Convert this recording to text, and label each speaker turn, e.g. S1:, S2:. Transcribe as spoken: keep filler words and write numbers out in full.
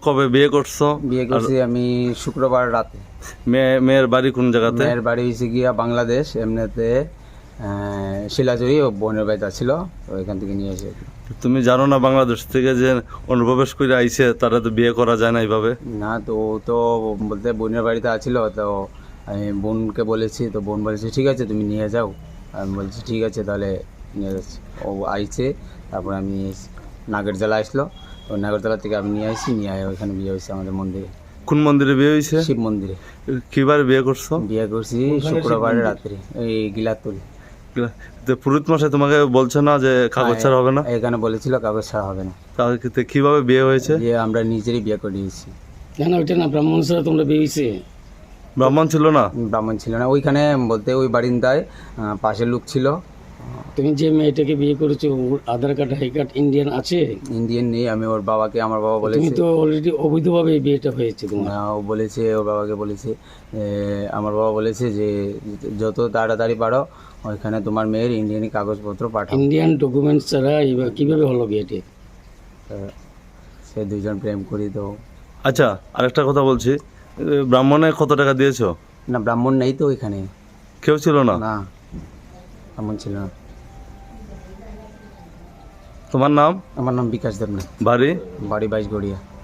S1: কবে বিয়ে করছো?
S2: বিয়ে করছি আমি শুক্রবার রাতে।
S1: মেয়ে মেয়ের বাড়ি কোন জায়গাতে?
S2: মেয়ের বাড়ি হয়েছে গিয়া বাংলাদেশ, এমনিতে শিলাচুরি ও বোনের বাড়িতে ছিল, তো এখান থেকে নিয়ে এসে।
S1: তুমি জানো না বাংলাদেশ থেকে যে অনুপ্রবেশ করে আইছে তারা তো বিয়ে করা যায় না এইভাবে?
S2: না, তো ও তো বলতে বোনের বাড়িতে আছিল, তো আমি বোনকে বলেছি, তো বোন বলেছে ঠিক আছে তুমি নিয়ে যাও। আমি বলছি ঠিক আছে তাহলে নিয়ে যাচ্ছি। ও আইছে, তারপর আমি নাগরজলা আসলো, তো নাগরজলা থেকে আমি নিয়ে আসি, নিয়ে আয় ওইখানে বিয়ে হয়েছে আমাদের মন্দিরে।
S1: কোন মন্দিরে বিয়ে হয়েছে?
S2: শিব মন্দিরে
S1: কিবার বিয়ে করছো?
S2: বিয়ে করছি শুক্রবার রাত্রে, এই গিলাতুলি।
S1: তো পুরোহিত মশাই তোমাকে বলছে না যে কাগজ ছাড়া হবে না?
S2: এখানে বলেছিল কাগজ ছাড়া হবে না।
S1: তাহলে কিভাবে বিয়ে হয়েছে?
S2: যে আমরা নিজেরই বিয়ে করে দিয়েছি।
S3: না না ওইটা না, ব্রাহ্মণ ছাড়া তোমরা বেরিয়েছে।
S1: ব্রাহ্মণ ছিল না?
S2: ব্রাহ্মণ ছিল না ওইখানে, বলতে ওই বারিন্দায় আহ, পাশের লোক ছিল।
S3: তুমি যে মেয়েটাকে বিয়ে করেছো ওর আধার কার্ড হাই কার্ড ইন্ডিয়ান আছে?
S2: ইন্ডিয়ান নেই। আমি ওর বাবাকে, আমার বাবা
S3: তুমি
S2: বলেছে,
S3: তো অলরেডি অবৈধভাবে এই বিয়েটা হয়েছে তোমার।
S2: না, ও বলেছে, ওর বাবাকে বলেছে, এ, আমার বাবা বলেছে যে যত তাড়াতাড়ি পারো ওইখানে তোমার মেয়ের ইন্ডিয়ানি কাগজপত্র পাঠাও।
S3: ইন্ডিয়ান ডকুমেন্টস ছাড়া এইবার কিভাবে হলো বিয়েটা?
S2: তা সে দুজন প্রেম করি তো।
S1: আচ্ছা, আরেকটা কথা বলছি, ব্রাহ্মণে কত টাকা দিয়েছো?
S2: না, ব্রাহ্মণ নেই তো ওইখানে।
S1: কেউ ছিল না?
S2: না, ব্রাহ্মণ ছিল না।
S1: তোমার নাম?
S2: আমার নাম বিকাশ দেবনাথ,
S1: বাড়ি?
S2: বাড়ি বাইশগড়িয়া।